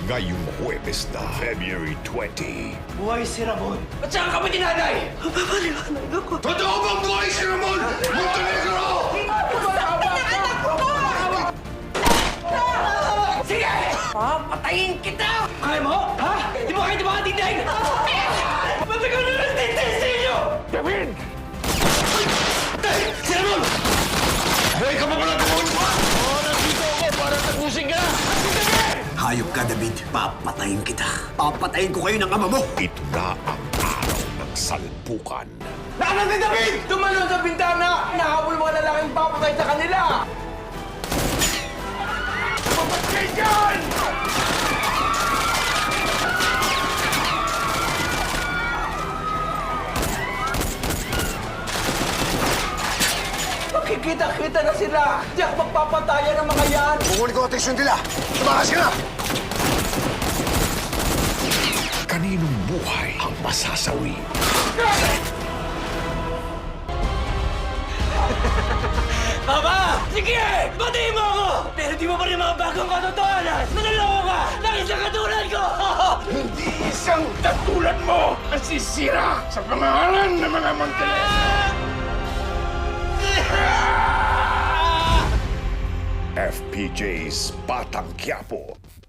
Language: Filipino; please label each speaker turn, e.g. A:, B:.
A: ngayong Huwebes na, February 20.
B: Buhay si Ramon. At saka kami tinanay!
C: Papaliwanag ako.
A: Totoo bang buhay si Ramon? Montenegro!
B: Sige! Patayin kita! Kaya mo? Ha? Di mo kayo makatindig? Matagal na lang tindig sa inyo! David! Si Ramon!
A: Buhay ka pa pala Ramon!
B: Nandito ako para tapusin ka!
D: Hayop ka, David. Papatayin kita. Papatayin ko kayo ng ama mo.
A: Ito na ang araw ng salpukan.
B: Nasaan si David? Tumalon sa bintana! Nahabol mga lalaking papatay sa kanila! Papatay dyan! Makikita-kita na sila! Di ako magpapatayan ng mga yan!
D: Kukunin ko atensyon nila. Tumakas ka na!
A: Kaninong buhay ang masasawi?
B: Papa! Sige! Patayin mo ako! Pero di mo pa rin mga bagong katotohanan! Nanaloko ka! Dahil sa katulad ko!
E: Hindi isang katulad mo ang sisira sa pangalan ng mga Montenegro.
A: FPJ's Batang Quiapo.